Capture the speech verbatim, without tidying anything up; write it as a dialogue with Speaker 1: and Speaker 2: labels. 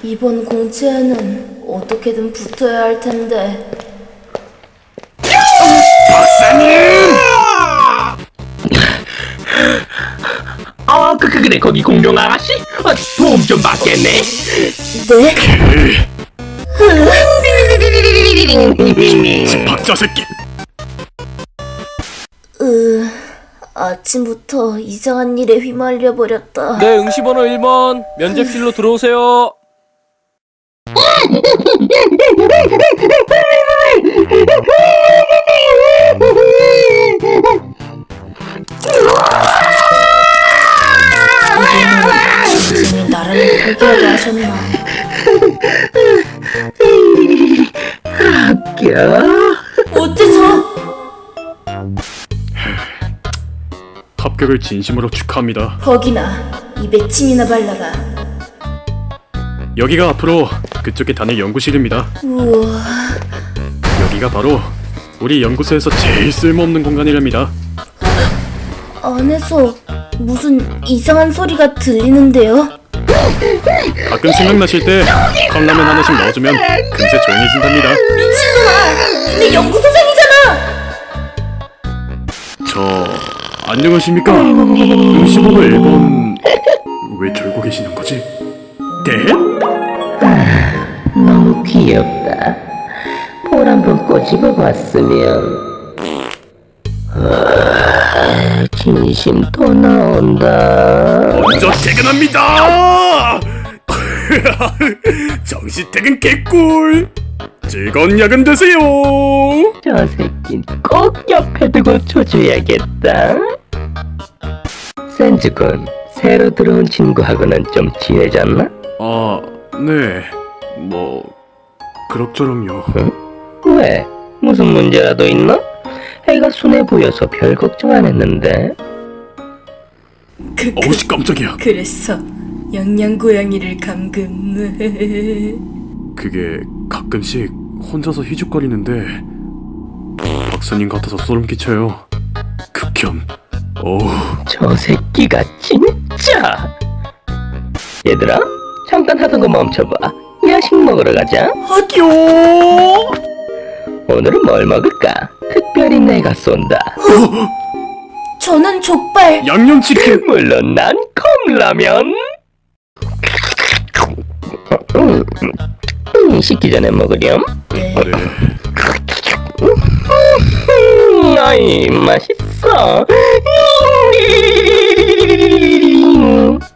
Speaker 1: 이번 공채에는 어떻게든 붙어야 할 텐데.
Speaker 2: 박사님! 아, 그, 그, 그래, 거기 공룡 아가씨? 아, 도움 좀 받겠네?
Speaker 1: 네?
Speaker 2: 박자 새끼!
Speaker 1: 으... 아침부터 이상한 일에 휘말려 버렸다.
Speaker 3: 네, 응시번호 일 번 면접실로 들어오세요.
Speaker 1: 선생님이 나를 포기하게 하셨나?
Speaker 2: 합격?
Speaker 1: 어째서?
Speaker 4: 합격을 진심으로 축하합니다.
Speaker 1: 거기나 입에 침이나 발라라.
Speaker 4: 여기가 앞으로 그쪽에 다닐 연구실입니다.
Speaker 1: 우와...
Speaker 4: 여기가 바로 우리 연구소에서 제일 쓸모없는 공간이랍니다.
Speaker 1: 안에서 무슨 이상한 소리가 들리는데요?
Speaker 4: 가끔 생각나실 때 컵라면 하나씩 넣어주면 금세 조용해진답니다.
Speaker 1: 미친놈아! 내 연구소생이잖아!
Speaker 4: 저... 안녕하십니까? 응시번호 일 번... 왜 졸고 계시는 거지? 네?
Speaker 5: 너무 귀엽다. 볼 한번 꼬집어 봤으면. 아, 진심 또 나온다.
Speaker 4: 먼저 퇴근합니다! 정시퇴근 개꿀! 즐거운 야근 되세요!
Speaker 5: 저 새낀 꼭 옆에 두고 줘줘야겠다. 센즈군, 새로 들어온 친구하고는 좀 친해졌나?
Speaker 4: 아... 네... 뭐... 그럭저럭요.
Speaker 5: 왜? 무슨 문제라도 있나? 애가 순해 보여서 별 걱정 안 했는데.
Speaker 1: 그,
Speaker 4: 어우씨 깜짝이야.
Speaker 1: 그래서 영양고양이를 감금...
Speaker 4: 그게 가끔씩 혼자서 희죽거리는데 박사님 같아서 소름 끼쳐요. 극혐. 어우...
Speaker 5: 저 새끼가 진짜. 얘들아, 잠깐 하던 거 멈춰봐. 야식 먹으러 가자.
Speaker 4: 학교!
Speaker 5: 오늘은 뭘 먹을까? 특별히 내가 쏜다.
Speaker 1: 저는 족발!
Speaker 4: 양념치킨!
Speaker 5: 물론 난 컵라면. 음, 음, 식기 전에 먹으렴.
Speaker 1: 네.
Speaker 4: 네...
Speaker 5: 음, 아이, 맛있어. 음,